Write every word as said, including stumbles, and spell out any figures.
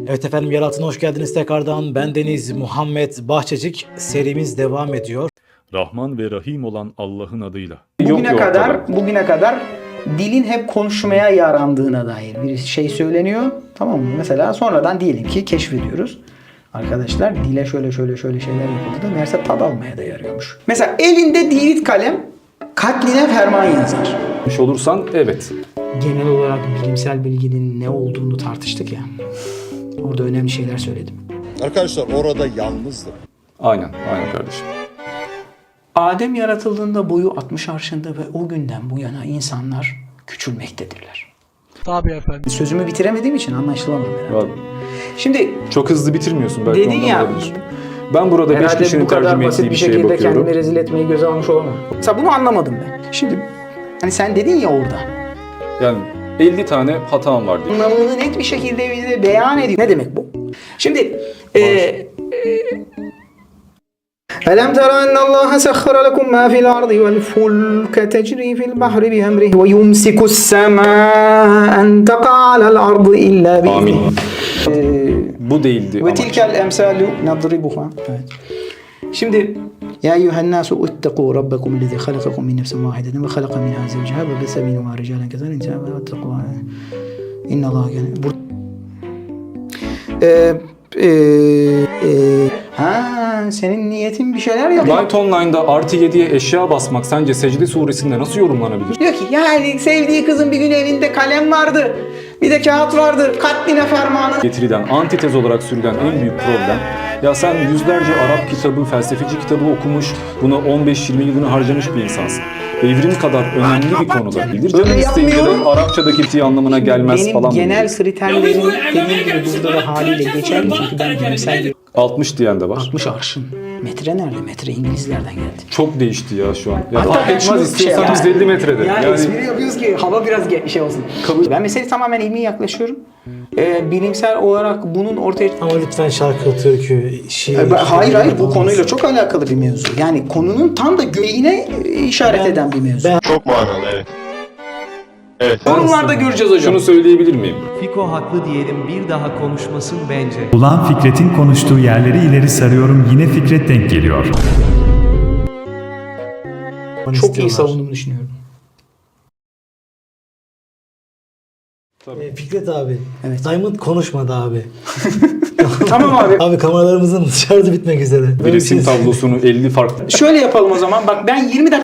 Evet efendim, Yer Altına hoş geldiniz tekrardan. Ben Deniz Muhammed Bahçecik. Serimiz devam ediyor. Rahman ve Rahim olan Allah'ın adıyla. Bugüne Yok, kadar ortada. bugüne kadar dilin hep konuşmaya yarandığına dair bir şey söyleniyor. Tamam mı? Mesela sonradan diyelim ki keşfediyoruz. Arkadaşlar dile şöyle şöyle şöyle şeyler yapıldı da meğerse tad almaya da yarıyormuş. Mesela elinde divit kalem katline ferman yazar. Yapmış olursan evet. Genel olarak bilimsel bilginin ne olduğunu tartıştık ya. Orada önemli şeyler söyledim. Arkadaşlar orada yalnızdım. Aynen, aynen kardeşim. Adem yaratıldığında boyu altmış arşında ve o günden bu yana insanlar küçülmektedirler. Tabii efendim. Sözümü bitiremediğim için anlaşılamadı herhalde. Ya, Şimdi çok hızlı bitirmiyorsun belki dedin ondan ya, olabilir. Ben burada beş herhalde kişinin bu kadar tercüme basit ettiği bir bir şeye şekilde bakıyorum. kendimi rezil etmeyi göze almış olamam. Mesela bunu anlamadım ben. Şimdi hani sen dedin ya orada. Yani elli tane hatam var diye. Anlamını net bir şekilde bize beyan ediyor. Ne demek bu? Şimdi eee ألم تر أن الله سخر لكم ما في الأرض والفلك تجري في البحر بأمره ويمسك السماء أن تقع على الأرض إلا Amin. بإذنه. Bu değildi Ve amaç. tilkel emsalu nadribuha. Evet. Şimdi ya eyyuhen nasu ittaqu rabbakum ellezî halakakum min nefsin vâhidetin ve halaka minhâ zevceha ve bese minhumâ ricâlen kesâren nisâen ve ittaqû. İnnallâhe kâne. Bur- Ee, e, e, ha senin niyetin bir şeyler yapmak. Light Online'da artı yediye eşya basmak sence Secde suresinde nasıl yorumlanabilir? Diyor ki yani sevdiği kızın bir gün elinde kalem vardı. Bir de kağıt vardı. Katline fermanı. Getirilen, antitez olarak sürülen en büyük problem, ya sen yüzlerce Arap kitabı, felsefeci kitabı okumuş, buna on beş yirmi yılını harcamış bir insansın. Evrim kadar önemli bir konuda bilir. Öyle Canın isteyince de yapmıyorum. Arapçadaki ti anlamına gelmez Benim falan. genel diyor. kriterlerim dediğim gibi burada da haliyle geçerli çünkü ben bilimsel bir altmış diyen de var. altmış arşın. Metre nerede? Metre İngilizlerden geldi. Çok değişti ya şu an. Ya Hatta fark ben şunu etmez istiyorsan şey- yüz elli metrede. Yani, Yani, espri yapıyoruz ki hava biraz ge- şey olsun. Kabul- Ben meseleye tamamen ilmi yaklaşıyorum. Ee, bilimsel olarak bunun ortaya... Ama lütfen şarkı, türkü, şiir... Ee, ben- hayır hayır bu olmasın. konuyla çok alakalı bir mevzu. Yani konunun tam da göğeğine e, işaret Ben- eden bir mevzu. ben- Çok manalı evet. Evet. Yorumlarda göreceğiz hocam. şunu söyleyebilir miyim? Fiko haklı diyelim, bir daha konuşmasın bence. Ulan Fikret'in konuştuğu yerleri ileri sarıyorum, yine Fikret denk geliyor. Onu Çok iyi istiyorlar. savunduğumu düşünüyorum. Ee, Fikret abi, Evet. Diamond konuşmadı abi. Tamam abi. Abi kameralarımızın şarjı bitmek üzere. Bir Böyle resim bir şey- tablosunu elli farklı Şöyle yapalım o zaman. Bak ben yirmi dakika